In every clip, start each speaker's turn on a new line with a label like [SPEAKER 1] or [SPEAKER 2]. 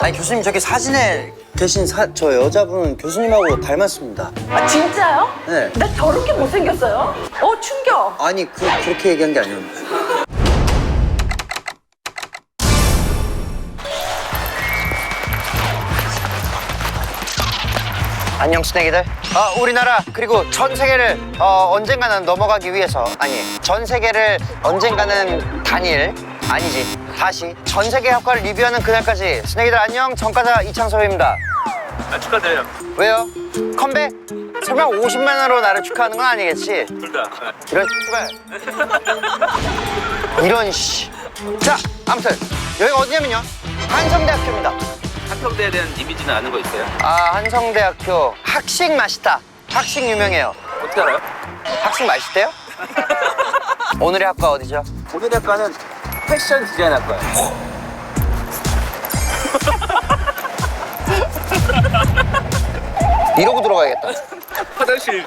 [SPEAKER 1] 아니 교수님 저기 사진에 계신 저 여자분 교수님하고 닮았습니다.
[SPEAKER 2] 아 진짜요?
[SPEAKER 1] 네.
[SPEAKER 2] 나 저렇게 못생겼어요? 충격.
[SPEAKER 1] 아니 그렇게 얘기한 게 아니었는데. 안녕 스낵이들. 우리나라 그리고 전 세계를 언젠가는 넘어가기 위해서 전 세계를 언젠가는 아니지 다시 전 세계 학과를 리뷰하는 그날까지 스낵이들 안녕 전과자 이창섭입니다.
[SPEAKER 3] 축하드려요.
[SPEAKER 1] 왜요? 컴백? 설마 50만으로 나를 축하하는 건 아니겠지?
[SPEAKER 3] 둘 다.
[SPEAKER 1] 이런 씨발 이런 씨. 자 아무튼 여기가 어디냐면요 한성대학교입니다.
[SPEAKER 3] 한평대에 대한 이미지는 아는 거 있어요?
[SPEAKER 1] 한성대학교 학식 맛있다. 학식 유명해요.
[SPEAKER 3] 어떻게 알아요?
[SPEAKER 1] 학식 맛있대요? 오늘의 학과 어디죠?
[SPEAKER 3] 오늘의 학과는 패션 디자인 학과예요.
[SPEAKER 1] 이러고 들어가야겠다.
[SPEAKER 3] 화장실.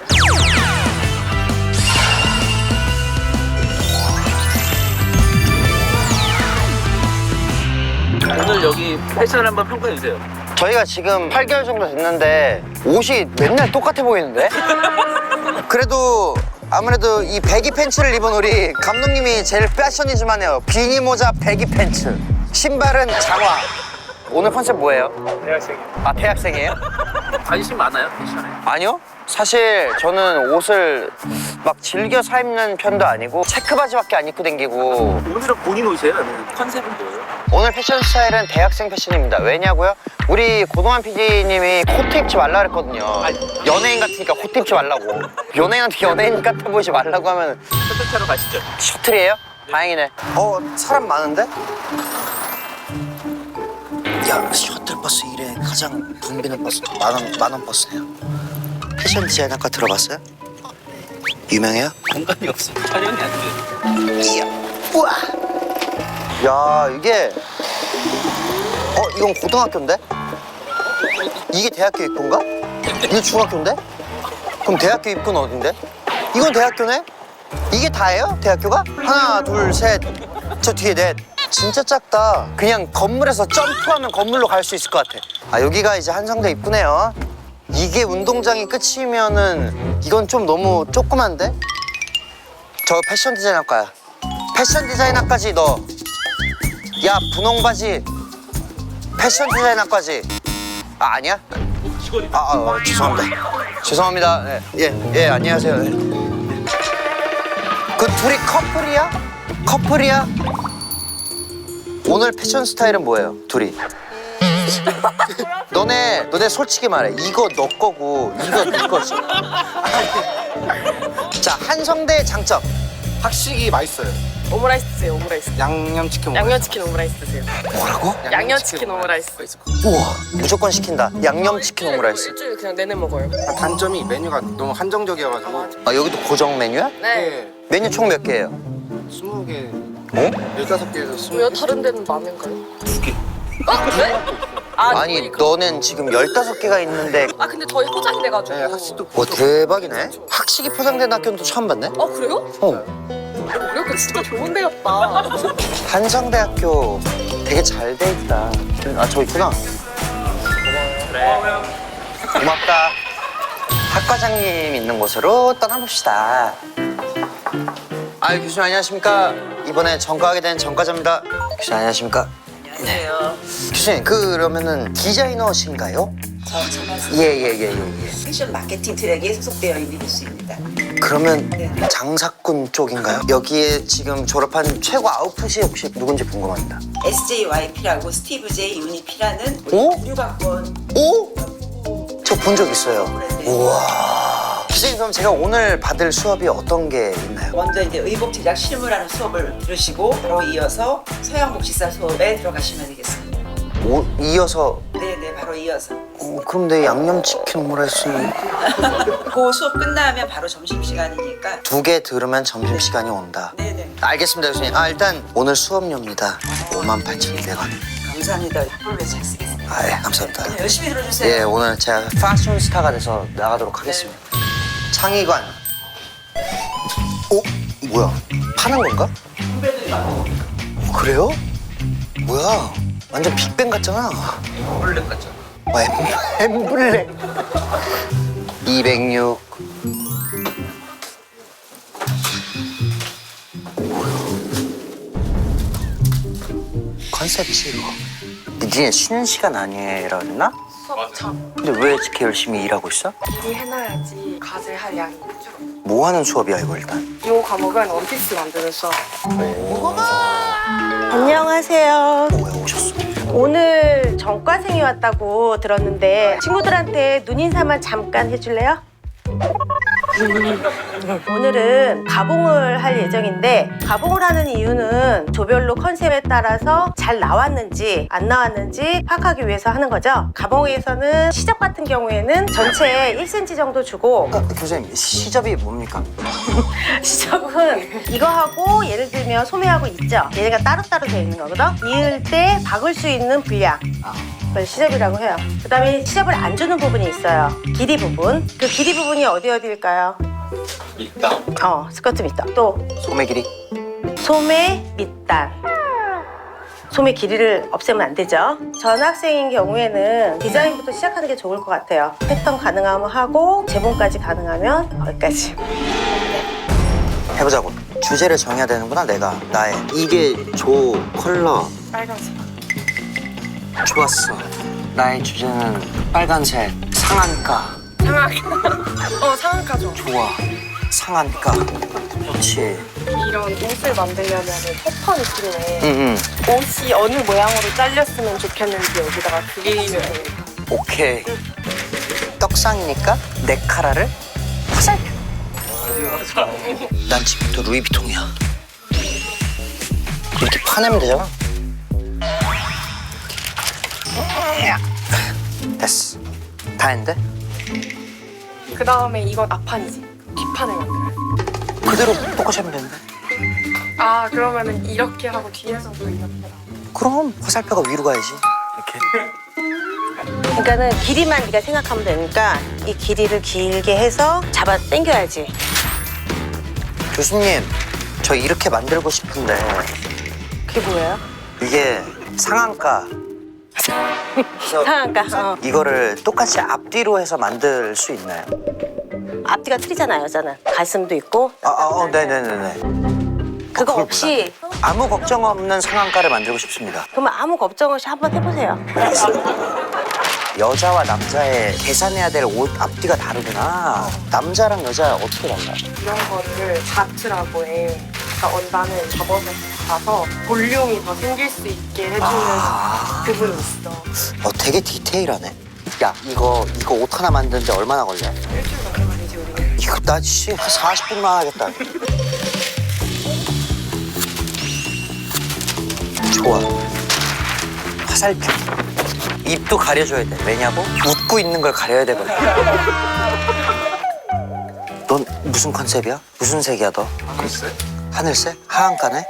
[SPEAKER 3] 오늘 여기 패션을 한번 평가해 주세요.
[SPEAKER 1] 저희가 지금 8개월 정도 됐는데 옷이 맨날 똑같아 보이는데? 그래도 아무래도 이 배기 팬츠를 입은 우리 감독님이 제일 패셔니즘하네요. 비니 모자 배기 팬츠, 신발은 장화. 오늘 컨셉 뭐예요?
[SPEAKER 3] 대학생이요.
[SPEAKER 1] 대학생이에요?
[SPEAKER 3] 관심 많아요, 패션에?
[SPEAKER 1] 아니요. 사실 저는 옷을 막 즐겨 사 입는 편도 아니고 체크바지밖에 안 입고 다니고.
[SPEAKER 3] 오늘은 본인 옷이에요? 아니면 컨셉은 뭐예요?
[SPEAKER 1] 오늘 패션 스타일은 대학생 패션입니다. 왜냐고요? 우리 고동환 PD님이 코트 입지 말라 그랬거든요. 연예인 같으니까 코트 입지 말라고. 연예인한테 연예인 같아 보이지 말라고 하면
[SPEAKER 3] 셔틀차로 가시죠.
[SPEAKER 1] 셔틀이에요? 다행이네. 사람 많은데? 야, 셔틀버스 일에 가장 붐비는 버스 만원 버스네요. 패션 디자인 학과 들어봤어요? 유명해요?
[SPEAKER 3] 공간이 없어요. 촬영이 안 돼요.
[SPEAKER 1] 이야, 우와. 야, 이게 이건 고등학교인데? 이게 대학교 입구인가? 이게 중학교인데? 그럼 대학교 입구는 어딘데? 이건 대학교네? 이게 다예요? 대학교가? 하나, 둘, 셋. 저 뒤에 넷. 진짜 작다. 그냥 건물에서 점프하면 건물로 갈 수 있을 것 같아. 여기가 이제 한성대 입구네요. 이게 운동장이 끝이면은 이건 좀 너무 조그만데? 저 패션 디자인 학과야. 패션 디자인 학과지 너. 야 분홍바지 패션 디자인 학과지. 아니야? 죄송합니다. 예, 안녕하세요. 네. 그 둘이 커플이야? 오늘 패션 스타일은 뭐예요? 둘이. 너네 솔직히 말해. 이거 너 거고 이거 네 거지. 자, 한성대의 장점.
[SPEAKER 4] 학식이 맛있어요.
[SPEAKER 2] 오므라이스 드세요. 오므라이스.
[SPEAKER 4] 양념치킨 오므라이스.
[SPEAKER 2] 양념치킨 오므라이스 드세요.
[SPEAKER 1] 뭐라고?
[SPEAKER 2] 양념치킨 오므라이스.
[SPEAKER 1] 우와, 무조건 시킨다. 양념치킨 오므라이스.
[SPEAKER 2] 일주일 그냥 내내 먹어요.
[SPEAKER 4] 단점이 메뉴가 너무 한정적이어가지고
[SPEAKER 1] 여기도 고정 메뉴야?
[SPEAKER 2] 네.
[SPEAKER 1] 메뉴 총 몇 개예요?
[SPEAKER 4] 20개,
[SPEAKER 1] 어?
[SPEAKER 4] 15개에서
[SPEAKER 2] 왜요?
[SPEAKER 4] 20개.
[SPEAKER 2] 다른 데는 많은가요?
[SPEAKER 3] 2개.
[SPEAKER 2] 네?
[SPEAKER 1] 아니 너는 지금 15개가 있는데.
[SPEAKER 2] 근데 저희 포장이 돼가지고.
[SPEAKER 4] 네, 학식도
[SPEAKER 1] 대박이네. 학식이 포장된 학교는 또 처음 봤네.
[SPEAKER 2] 그래요? 우리 진짜 좋은 데였다.
[SPEAKER 1] 한성대학교 되게 잘 돼 있다. 저 있구나.
[SPEAKER 3] 그래.
[SPEAKER 1] 고맙다. 학과장님 있는 곳으로 떠나봅시다. 교수님 안녕하십니까. 이번에 전과하게 된 전과자입니다. 교수님 안녕하십니까.
[SPEAKER 2] 안녕하세요.
[SPEAKER 1] 교수님 그러면은 디자이너신가요? 예.
[SPEAKER 5] 패션 마케팅 트랙에 소속되어 있는 교수입니다.
[SPEAKER 1] 그러면
[SPEAKER 5] 네.
[SPEAKER 1] 장사꾼 쪽인가요? 여기에 지금 졸업한 최고 아웃풋이 혹시 누군지 궁금합니다.
[SPEAKER 5] SJYP라고 스티브 J 유니피라는
[SPEAKER 1] 오?
[SPEAKER 5] 부류각본
[SPEAKER 1] 오? 저 본 적 있어요. 우와. 교수님 그럼 제가 오늘 받을 수업이 어떤 게 있나요?
[SPEAKER 5] 먼저 이제 의복 제작 실무라는 수업을 들으시고 바로 이어서 서양 복식사 수업에 들어가시면 되겠습니다.
[SPEAKER 1] 이어서
[SPEAKER 5] 네네 바로 이어서
[SPEAKER 1] 그럼 내 양념치킨 오므라이스는
[SPEAKER 5] 그 수업 끝나면 바로 점심시간이니까
[SPEAKER 1] 2개 들으면 점심시간이 온다.
[SPEAKER 5] 네네
[SPEAKER 1] 알겠습니다 교수님. 일단 오늘 수업료입니다. 58,200원.
[SPEAKER 5] 감사합니다. 꿀왜 잘 쓰겠습니다.
[SPEAKER 1] 예, 감사합니다.
[SPEAKER 5] 네, 열심히 들어주세요.
[SPEAKER 1] 예, 오늘 제가 패션스타가 돼서 나가도록 하겠습니다. 창의관. 뭐야? 파는 건가? 그래요? 뭐야? 완전 빅뱅 같잖아.
[SPEAKER 3] 홀렉 같잖아.
[SPEAKER 1] 엠블랙. 206. 컨셉이지 이거. 니네 쉬는 시간 아니라 그랬나?
[SPEAKER 2] 수업 참
[SPEAKER 1] 근데 왜 이렇게 열심히 일하고 있어?
[SPEAKER 2] 미리 해놔야지 과제할 양이 줄어.
[SPEAKER 1] 뭐 하는 수업이야 이거 일단?
[SPEAKER 2] 이 과목은 원피스 만드는 수업.
[SPEAKER 6] 안녕하세요.
[SPEAKER 1] 왜 오셨어?
[SPEAKER 6] 오늘 전과생이 왔다고 들었는데 친구들한테 눈인사만 잠깐 해줄래요? 오늘은 가봉을 할 예정인데 가봉을 하는 이유는 조별로 컨셉에 따라서 잘 나왔는지 안 나왔는지 파악하기 위해서 하는 거죠. 가봉에서는 시접 같은 경우에는 전체 1cm 정도 주고
[SPEAKER 1] 교수님 시접이 뭡니까?
[SPEAKER 6] 시접은 이거하고 예를 들면 소매하고 있죠. 얘네가 따로따로 되어 있는 거거든. 이을 때 박을 수 있는 분량 그걸 시접이라고 해요. 그 다음에 시접을 안 주는 부분이 있어요. 길이 부분. 그 길이 부분이 어디일까요?
[SPEAKER 3] 밑단.
[SPEAKER 6] 스커트 밑단. 또
[SPEAKER 1] 소매 길이?
[SPEAKER 6] 소매 밑단. 소매 길이를 없애면 안 되죠. 전학생인 경우에는 디자인부터 시작하는 게 좋을 것 같아요. 패턴 가능하면 하고 재봉까지 가능하면 거기까지.
[SPEAKER 1] 해보자고. 주제를 정해야 되는구나 내가. 나의 이게 조 컬러
[SPEAKER 2] 빨간색.
[SPEAKER 1] 좋았어. 나의 주제는 빨간색 상한가.
[SPEAKER 2] 상한가 좀.
[SPEAKER 1] 좋아. 상한가. 그렇지.
[SPEAKER 2] 이런 옷을 만들려면 패턴이 필요해.
[SPEAKER 1] 응응.
[SPEAKER 2] 옷이 어느 모양으로 잘렸으면 좋겠는지 여기다가 그리면 됩니다.
[SPEAKER 1] 오케이. 떡상이니까 내 카라를 화살표. 난 지금부터 루이비통이야. 이렇게 파내면 되잖아. 됐어. 다 했는데?
[SPEAKER 2] 그 다음에 이건 앞판이지. 뒷판을 만들어요.
[SPEAKER 1] 그대로 똑같이 하면 되는데?
[SPEAKER 2] 아 그러면은 이렇게 하고 뒤에서도 이렇게 하고.
[SPEAKER 1] 그럼 화살표가 위로 가야지. 이렇게.
[SPEAKER 6] 그러니까는 길이만 네가 생각하면 되니까 이 길이를 길게 해서 잡아 당겨야지.
[SPEAKER 1] 교수님, 저 이렇게 만들고 싶은데
[SPEAKER 6] 그게 뭐예요?
[SPEAKER 1] 이게 상한가. 그래서
[SPEAKER 6] 상한가.
[SPEAKER 1] 이거를 똑같이 앞뒤로 해서 만들 수 있나요?
[SPEAKER 6] 앞뒤가 틀리잖아요, 여자는. 가슴도 있고.
[SPEAKER 1] 네네네네.
[SPEAKER 6] 그거
[SPEAKER 1] 그걸
[SPEAKER 6] 없이
[SPEAKER 1] 아무 걱정 없는 상한가를 만들고 싶습니다.
[SPEAKER 6] 그러면 아무 걱정 없이 한번 해보세요.
[SPEAKER 1] 여자와 남자의 계산해야 될 옷 앞뒤가 다르구나. 남자랑 여자 어떻게 달라요?
[SPEAKER 2] 이런 거를 자트라고 해. 그러니까 원단을 접어서 가서 볼륨이 더 생길 수 있게 해주는 부분이 있어.
[SPEAKER 1] 되게 디테일하네. 야, 이거 옷 하나 만드는데 얼마나 걸려?
[SPEAKER 2] 일주일 넘게 걸리지 우리는.
[SPEAKER 1] 이거 나 씨, 한 40분만 하겠다. 좋아. 화살표. 입도 가려줘야 돼. 왜냐고? 웃고 있는 걸 가려야 되거든. 넌 무슨 컨셉이야? 무슨 색이야 너?
[SPEAKER 4] 글쎄.
[SPEAKER 1] 하늘색? 하얀가네?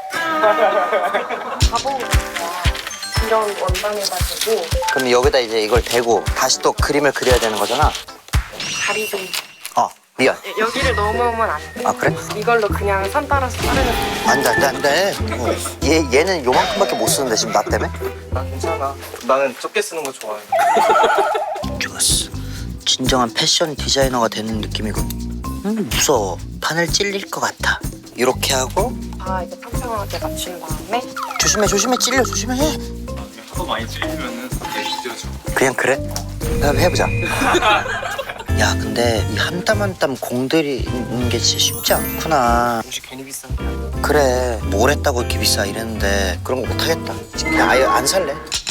[SPEAKER 2] 가봉을 이런 원단에가지고
[SPEAKER 1] 그럼 여기다 이제 이걸 대고 다시 또 그림을 그려야 되는 거잖아?
[SPEAKER 2] 다리 좀
[SPEAKER 1] 미안.
[SPEAKER 2] 여기를 넘으면 안 돼.
[SPEAKER 1] 아, 그래?
[SPEAKER 2] 이걸로 그냥 선 따라서 자르면 돼.
[SPEAKER 1] 안 돼. 얘는 요만큼밖에 못 쓰는데 지금 나 때문에?
[SPEAKER 4] 나 괜찮아. 나는 적게 쓰는 거 좋아해.
[SPEAKER 1] 좋았어. 진정한 패션 디자이너가 되는 느낌이고. 무서워. 바늘 찔릴 것 같아. 이렇게 하고
[SPEAKER 2] 다 이제 평평하게 맞춘 다음에
[SPEAKER 1] 조심해 찔려 조심해.
[SPEAKER 3] 하도 많이 찔리면은 되게 찢어져.
[SPEAKER 1] 그냥 그래? 그럼 해보자. 야, 근데 이 한 땀 한 땀 공들이는 게 진짜 쉽지 않구나.
[SPEAKER 4] 옷이 괜히 비싼 게 아니야.
[SPEAKER 1] 그래, 뭘 했다고 이렇게 비싸 이랬는데 그런 거 못하겠다. 그냥 아예 안 살래.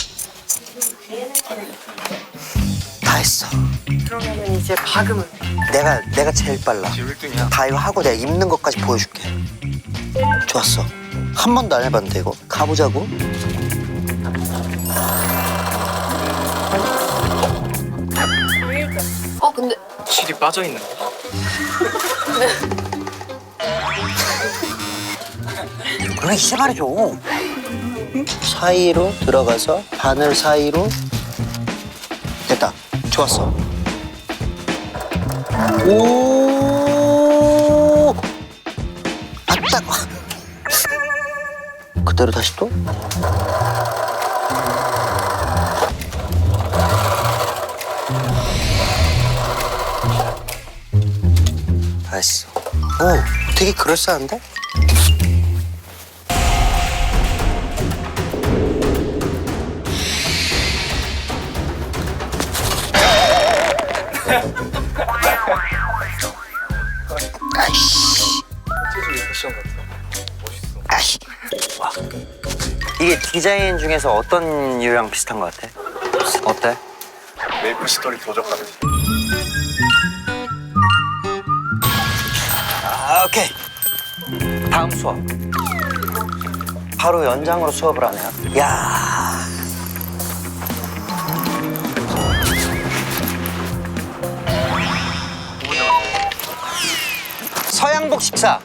[SPEAKER 1] 다 했어.
[SPEAKER 2] 그러면은 이제 박으면 돼.
[SPEAKER 1] 내가 제일 빨라.
[SPEAKER 4] 지금 1등이야.
[SPEAKER 1] 다 이거 하고 내가 입는 것까지 보여줄게. 좋았어. 한 번도 안 해봤는데 이거. 가보자고.
[SPEAKER 2] 근데
[SPEAKER 4] 실이 빠져 있는 거.
[SPEAKER 1] 그래, 이제 말해줘. 사이로 들어가서 바늘 사이로. 됐다. 좋았어. 오. 아따. 그대로 다시 또. 했어. 오, 되게 그럴싸한데? 아이씨.
[SPEAKER 4] 전체적인 패션 같아. 멋있어.
[SPEAKER 1] 아이씨. 와. 이게 디자인 중에서 어떤 유형 비슷한 것 같아? 어때?
[SPEAKER 4] 메이플 스토리 도적하듯이.
[SPEAKER 1] 아, 오케이. 다음 수업. 바로 연장으로 수업을 하네요. 야. 서양복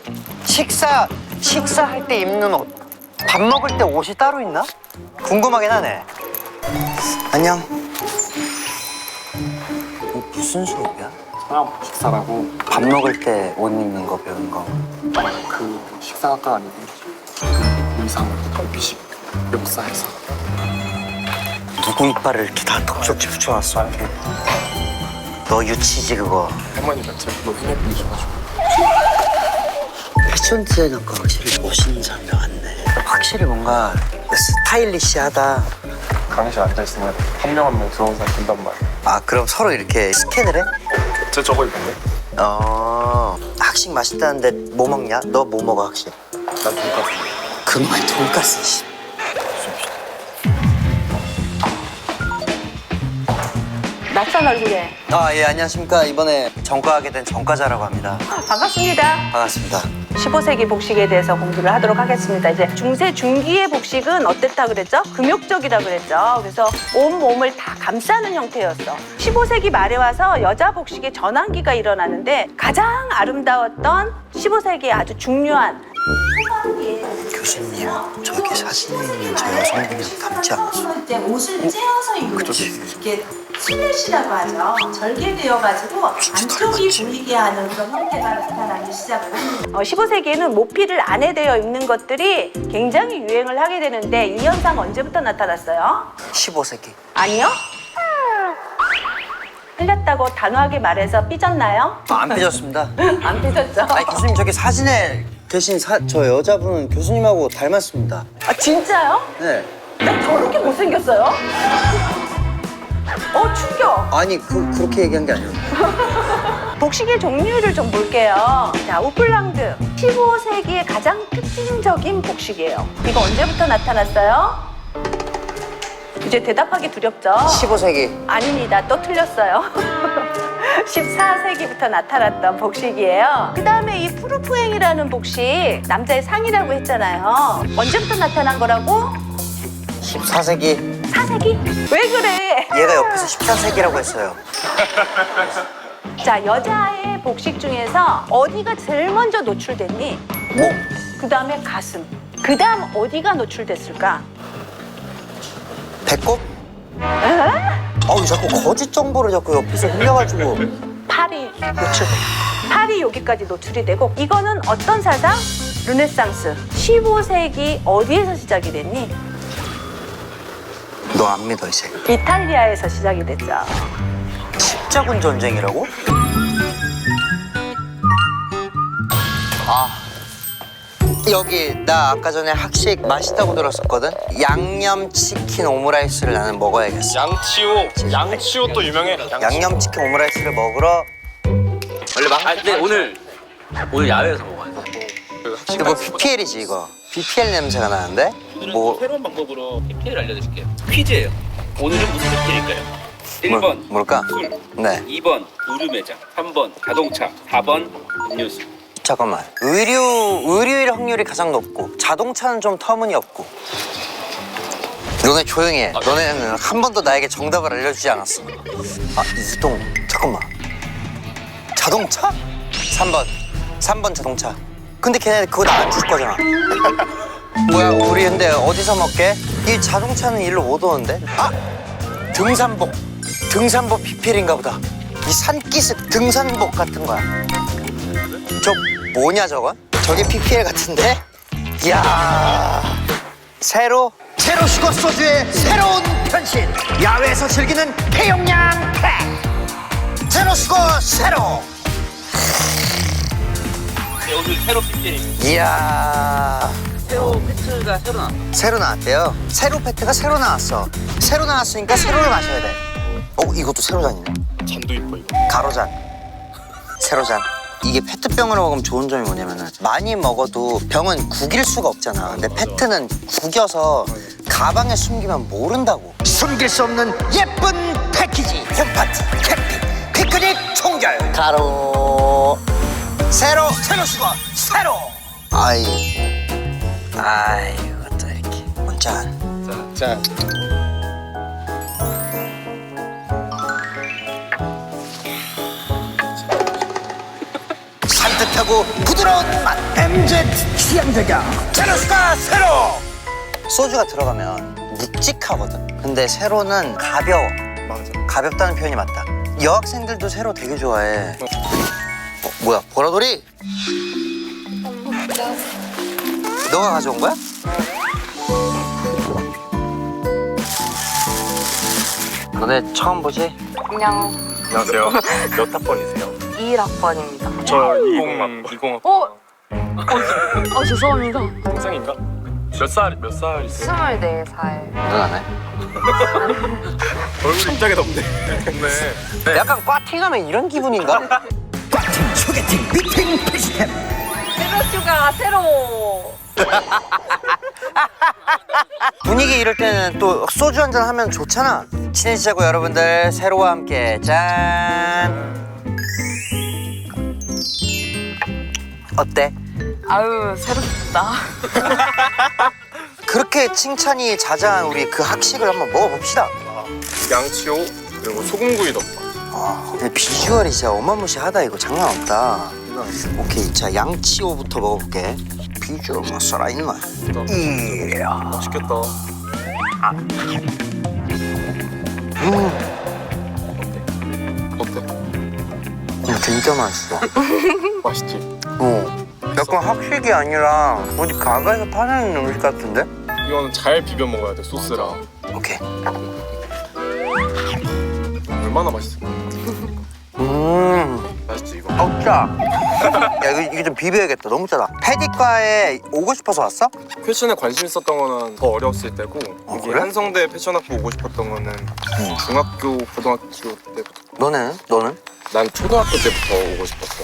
[SPEAKER 1] 식사할 때 입는 옷. 밥 먹을 때 옷이 따로 있나? 궁금하긴 하네. 안녕. 이거 무슨 수업이야?
[SPEAKER 4] 서양 식사라고
[SPEAKER 1] 밥 먹을 때 옷 입는 거 배우는 거.
[SPEAKER 4] 그 식사학과 아니고 의상, 미식, 역사에서.
[SPEAKER 1] 누구 이빨을 이렇게 다 톡톡히 붙여놨어? 이렇게. 너 유치지 그거.
[SPEAKER 4] 할머니가 제주도 흔해 보이셔가지고.
[SPEAKER 1] 패션 디자이너가 확실히 멋있는 사람이 많네. 확실히 뭔가 스타일리시하다.
[SPEAKER 4] 강의실 앉아있으면 한 명 한 명 들어온 사람 된단 말이야.
[SPEAKER 1] 아 그럼 서로 이렇게 스캔을 해?
[SPEAKER 4] 제 저거 입었네?
[SPEAKER 1] 학식 맛있다는데 뭐 먹냐? 너 뭐 먹어 학식?
[SPEAKER 4] 난 돈까스.
[SPEAKER 1] 그놈의 돈가스 씨.
[SPEAKER 6] 낯선 얼굴에
[SPEAKER 1] 아 예 안녕하십니까. 이번에 전과하게 된 전과자라고 합니다.
[SPEAKER 6] 반갑습니다.
[SPEAKER 1] 반갑습니다.
[SPEAKER 6] 15세기 복식에 대해서 공부를 하도록 하겠습니다. 이제 중세 중기의 복식은 어땠다 그랬죠? 금욕적이라 그랬죠. 그래서 온 몸을 다 감싸는 형태였어. 15세기 말에 와서 여자 복식의 전환기가 일어나는데 가장 아름다웠던 15세기의 아주 중요한
[SPEAKER 1] 교수님 저기 사진에 있는 저 여성분이랑 닮지 않았어?
[SPEAKER 7] 이제 옷을 째어서 입는 이게 슬랫이라고 하죠. 절개되어가지고 안쪽이 보이게 하는 그런 형태가 나타나기 시작을 합니다.
[SPEAKER 6] 15세기에는 모피를 안에 대어 입는 것들이 굉장히 유행을 하게 되는데 이 현상 언제부터 나타났어요?
[SPEAKER 1] 15세기.
[SPEAKER 6] 아니요? 틀렸다고 단호하게 말해서 삐졌나요?
[SPEAKER 1] 안 삐졌습니다.
[SPEAKER 6] 안 삐졌죠?
[SPEAKER 1] 아니 교수님 저기 사진에 계신 저 여자분은 교수님하고 닮았습니다.
[SPEAKER 6] 아 진짜요?
[SPEAKER 1] 네.
[SPEAKER 6] 나 저렇게 못생겼어요? 충격!
[SPEAKER 1] 아니 그렇게 얘기한 게 아니에요.
[SPEAKER 6] 복식의 종류를 좀 볼게요. 자, 우플랑드. 15세기의 가장 특징적인 복식이에요. 이거 언제부터 나타났어요? 이제 대답하기 두렵죠?
[SPEAKER 1] 15세기.
[SPEAKER 6] 아닙니다. 또 틀렸어요. 14세기부터 나타났던 복식이에요. 그 다음에 이 푸르푸행이라는 복식, 남자의 상이라고 했잖아요. 언제부터 나타난 거라고?
[SPEAKER 1] 14세기.
[SPEAKER 6] 4세기? 왜 그래?
[SPEAKER 1] 얘가 옆에서 14세기라고 했어요.
[SPEAKER 6] 자, 여자의 복식 중에서 어디가 제일 먼저 노출됐니?
[SPEAKER 1] 목.
[SPEAKER 6] 그 다음에 가슴. 그 다음 어디가 노출됐을까?
[SPEAKER 1] 배꼽? 아우 자꾸 거짓 정보를 자꾸 옆에서 흘려가지고.
[SPEAKER 6] 팔이 노출돼. 팔이 여기까지 노출이 되고 이거는 어떤 사상? 르네상스. 15세기 어디에서 시작이 됐니?
[SPEAKER 1] 너 안 믿어 이제.
[SPEAKER 6] 이탈리아에서 시작이 됐죠.
[SPEAKER 1] 십자군 전쟁이라고? 아 여기 나 아까 전에 학식 맛있다고 들었었거든. 양념치킨 오므라이스를 나는 먹어야겠어.
[SPEAKER 4] 양치호 또 유명해.
[SPEAKER 1] 양념치킨 오므라이스를 먹으러.
[SPEAKER 3] 원래 근데 오늘 야외에서 먹어야 돼.
[SPEAKER 1] 이거 뭐 BPL이지 이거. BPL 냄새가 나는데? 뭐
[SPEAKER 8] 새로운 방법으로 PPL을 알려드릴게요. 퀴즈예요. 오늘은 무슨 PPL일까요? 1번
[SPEAKER 1] 뭘까?
[SPEAKER 8] 술,
[SPEAKER 1] 네.
[SPEAKER 8] 2번 의류 매장, 3번 자동차, 4번 음료수.
[SPEAKER 1] 잠깐만. 의류일 확률이 가장 높고 자동차는 좀 터무니없고. 너네 조용히 해. 너네는 한 번도 나에게 정답을 알려주지 않았어. 아 이동. 잠깐만. 자동차? 3번 자동차. 근데 걔네 그거 나 안 줄 거잖아. 뭐야 우리 근데 어디서 먹게? 이 자동차는 일로 못 오는데? 아! 등산복 PPL인가 보다. 이 산기슭 등산복 같은 거야. 저 뭐냐 저건? 저게 PPL 같은데? 이야 제로 슈거 소주의 새로운 변신. 야외에서 즐기는 폐용량 팩 제로 슈거 제로.
[SPEAKER 8] 네, 오늘 새로 PPL.
[SPEAKER 1] 이야.
[SPEAKER 3] 새로 패트가 새로 나왔어.
[SPEAKER 1] 새로 나왔대요. 새로 페트가 새로 나왔어. 새로 나왔으니까 새로를 마셔야 돼. 이것도 새로잔이네.
[SPEAKER 4] 잔도 이뻐 이거.
[SPEAKER 1] 가로잔. 세로잔. 이게 페트병으로 먹으면 좋은 점이 뭐냐면은 많이 먹어도 병은 구길 수가 없잖아. 근데 페트는 구겨서 가방에 숨기면 모른다고. 숨길 수 없는 예쁜 패키지. 홈파티, 캠핑, 피크닉, 총결. 가로. 세로 수건. 세로. 이것도 이렇게. 문잔.
[SPEAKER 4] 자.
[SPEAKER 1] 산뜻하고 부드러운 맛 MZ 취향 저격 제로스가 세로. 소주가 들어가면 묵직하거든. 근데 세로는 가벼워.
[SPEAKER 4] 맞아.
[SPEAKER 1] 가볍다는 표현이 맞다. 여학생들도 세로 되게 좋아해. 뭐야 보라돌이? 너가 가져온 거야? 너네 처음 보지?
[SPEAKER 2] 그냥
[SPEAKER 4] 안녕하세요. 몇 학번이세요?
[SPEAKER 2] 21학번입니다.
[SPEAKER 4] 저 20학번.
[SPEAKER 2] 죄송합니다.
[SPEAKER 4] 동생인가? 몇 살이세요?
[SPEAKER 2] 24살.
[SPEAKER 1] 누나네.
[SPEAKER 4] 얼굴이 입장에 덥네. 네.
[SPEAKER 1] 약간 꽈팅하면 이런 기분인가? 꽈팅, 소개팅, 미팅, 피스템.
[SPEAKER 2] 세로슈가 새로.
[SPEAKER 1] 분위기 이럴 때는 또 소주 한잔 하면 좋잖아. 친해지자고 여러분들. 세로와 함께 짠. 어때?
[SPEAKER 2] 아유 새롭다.
[SPEAKER 1] 그렇게 칭찬이 자자한 우리 그 학식을 한번 먹어봅시다.
[SPEAKER 4] 양치호 그리고 소금구이 덮밥.
[SPEAKER 1] 근데 비주얼이 진짜 어마무시하다. 이거 장난 없다. 오케이, 자 양치호부터 먹어볼게. 비주얼 뭐 살아있나? 이야.
[SPEAKER 4] 맛있겠다. 어때?
[SPEAKER 1] 진짜 맛있어.
[SPEAKER 4] 맛있지?
[SPEAKER 1] 약간 학식이 아니라 어디 가게에서 파는 음식 같은데?
[SPEAKER 4] 이거는 잘 비벼 먹어야 돼 소스랑.
[SPEAKER 1] 오케이.
[SPEAKER 4] 얼마나 맛있을까? 맛있지 이거?
[SPEAKER 1] 짜. 야 이게 좀 비벼야겠다. 너무 짜다. 패디과에 오고 싶어서 왔어?
[SPEAKER 4] 패션에 관심 있었던 거는 더 어렸을 때고 여기
[SPEAKER 1] 그래?
[SPEAKER 4] 한성대 패션학부 오고 싶었던 거는 중학교, 고등학교 때부터.
[SPEAKER 1] 너는?
[SPEAKER 4] 난 초등학교 때부터 오고 싶었어.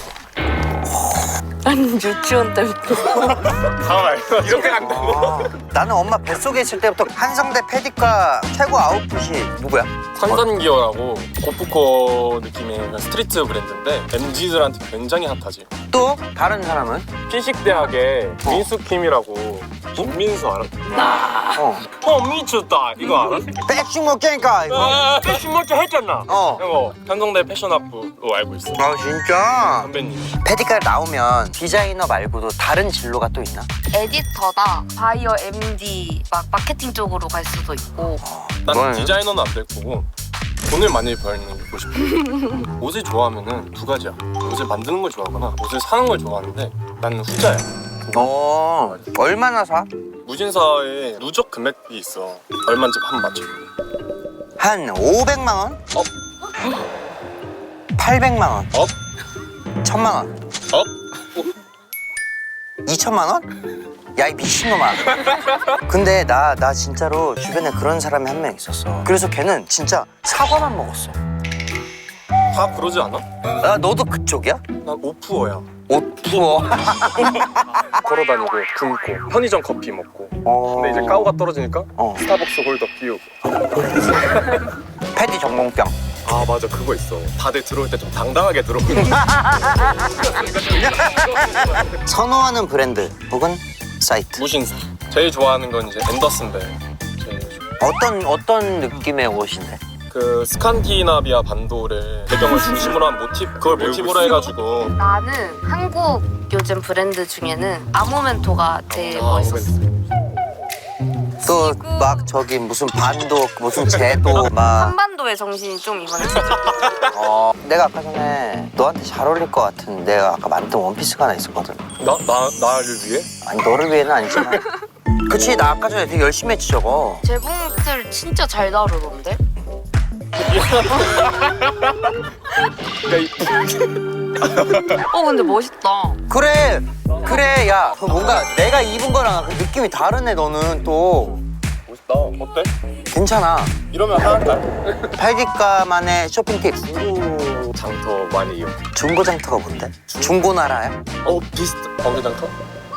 [SPEAKER 2] 난 유치원 때부터.
[SPEAKER 4] 잠깐만 이렇게 간다고?
[SPEAKER 1] 나는 엄마 뱃속에 있을 때부터 한성대 패디과 최고 아웃풋이 누구야?
[SPEAKER 4] 산산기어라고 고프코 느낌의 그냥 스트리트 브랜드인데 MZ들한테 굉장히 핫하지.
[SPEAKER 1] 또 다른 사람은?
[SPEAKER 4] 피식대학의 민수킴이라고. 김민수 알아? 미쳤다 이거 알아?
[SPEAKER 1] 백신 먹자니까 이거.
[SPEAKER 4] 패션 먼저 했잖아. 이거 한성대 패션학부로 알고 있어.
[SPEAKER 1] 아 진짜?
[SPEAKER 4] 선배님.
[SPEAKER 1] 패디과에 나오면 디자이너 말고도 다른 진로가 또 있나?
[SPEAKER 2] 에디터나 바이어 MD 막 마케팅 쪽으로 갈 수도 있고.
[SPEAKER 4] 난
[SPEAKER 1] 뭐예요?
[SPEAKER 4] 디자이너는 안 될 거고 돈을 많이 벌는 게 보고 싶어. 옷을 좋아하면은 두 가지야. 옷을 만드는 걸 좋아하거나 옷을 사는 걸 좋아하는데 나는 후자야.
[SPEAKER 1] 얼마나 사?
[SPEAKER 4] 무신사에 누적 금액이 있어. 얼마인지 한번 맞춰.
[SPEAKER 1] 한 500만 원? 800만 원? 1000만 원? 2천만 원? 야 이 미친놈아. 근데 나 진짜로 주변에 그런 사람이 한 명 있었어. 그래서 걔는 진짜 사과만 먹었어.
[SPEAKER 4] 다 그러지 않아?
[SPEAKER 1] 야 너도 그쪽이야?
[SPEAKER 4] 난 오프어야.
[SPEAKER 1] 옷 부어.
[SPEAKER 4] 걸어다니고 굶고 편의점 커피 먹고. 근데 이제 까오가 떨어지니까 스타벅스 홀더 피우고.
[SPEAKER 1] 패디 전공병.
[SPEAKER 4] 아 맞아 그거 있어. 다들 들어올 때 좀 당당하게 들어오는.
[SPEAKER 1] 선호하는 브랜드 혹은 사이트.
[SPEAKER 4] 무신사. 제일 좋아하는 건 이제 앤더슨벨. 제일 좋아.
[SPEAKER 1] 어떤 느낌의 옷인데?
[SPEAKER 4] 그 스칸디나비아 반도를 배경을 중심으로 한 그걸 모티브로 해가지고.
[SPEAKER 2] 나는 한국 요즘 브랜드 중에는 아모멘토가 제일 멋있었어.
[SPEAKER 1] 또 막 저기 무슨 반도 무슨 제도 막.
[SPEAKER 2] 한반도의 정신이 좀 이번에
[SPEAKER 1] 내가 아까 전에 너한테 잘 어울릴 것 같은 내가 아까 만든 원피스가 하나 있었거든.
[SPEAKER 4] 나를 위해?
[SPEAKER 1] 아니 너를 위해는 아니지만. 그치 나 아까 전에 되게 열심히 했지 저거.
[SPEAKER 2] 재봉틀 진짜 잘 다루던데? 근데 멋있다.
[SPEAKER 1] 그래 그래 야 뭔가 내가 입은 거랑 그 느낌이 다르네 너는 또
[SPEAKER 4] 멋있다. 어때?
[SPEAKER 1] 괜찮아.
[SPEAKER 4] 이러면 하나인가?
[SPEAKER 1] 팔디카만의 쇼핑 팁.
[SPEAKER 4] 중고 장터 많이 이용.
[SPEAKER 1] 중고장터가 뭔데? 중고나라야?
[SPEAKER 4] 비슷. 번개장터?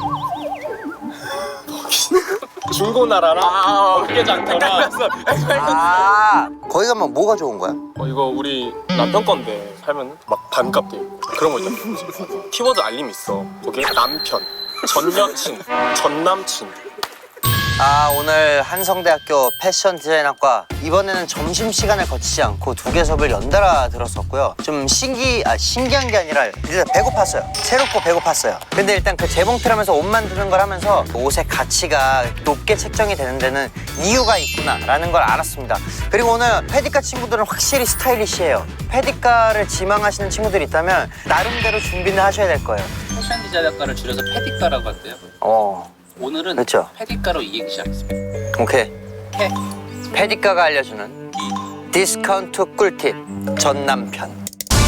[SPEAKER 4] 중고나라랑 번개장터랑.
[SPEAKER 1] 아 거기 가면 뭐가 좋은 거야?
[SPEAKER 4] 이거 우리 남편 건데 살면 막 반값 돼. 그런 거 있잖아. 키워드 알림 있어. 거기에 남편, 전 여친, 전 남친.
[SPEAKER 1] 아 오늘 한성대학교 패션 디자인학과 이번에는 점심시간을 거치지 않고 2개 수업을 연달아 들었었고요. 좀 신기한 게 아니라 일단 배고팠어요. 새롭고 배고팠어요. 근데 일단 그 재봉틀하면서 옷 만드는 걸 하면서 옷의 가치가 높게 책정이 되는 데는 이유가 있구나라는 걸 알았습니다. 그리고 오늘 패디카 친구들은 확실히 스타일리시해요. 패디카를 지망하시는 친구들이 있다면 나름대로 준비는 하셔야 될 거예요.
[SPEAKER 8] 패션 디자인학과를 줄여서 패디과라고 한대요. 오늘은
[SPEAKER 1] 그렇죠.
[SPEAKER 8] 패디과로 이행기 시작했습니다.
[SPEAKER 1] 오케이. 패디카가 알려주는 디스카운트 꿀팁 전남편.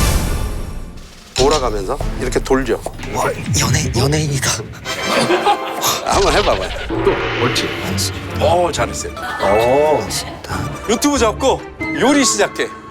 [SPEAKER 9] 돌아가면서 이렇게 돌려.
[SPEAKER 1] 와 연예인이다.
[SPEAKER 9] 한번 해봐봐요. 또 옳지. 잘했어요. 유튜브 잡고 요리 시작해.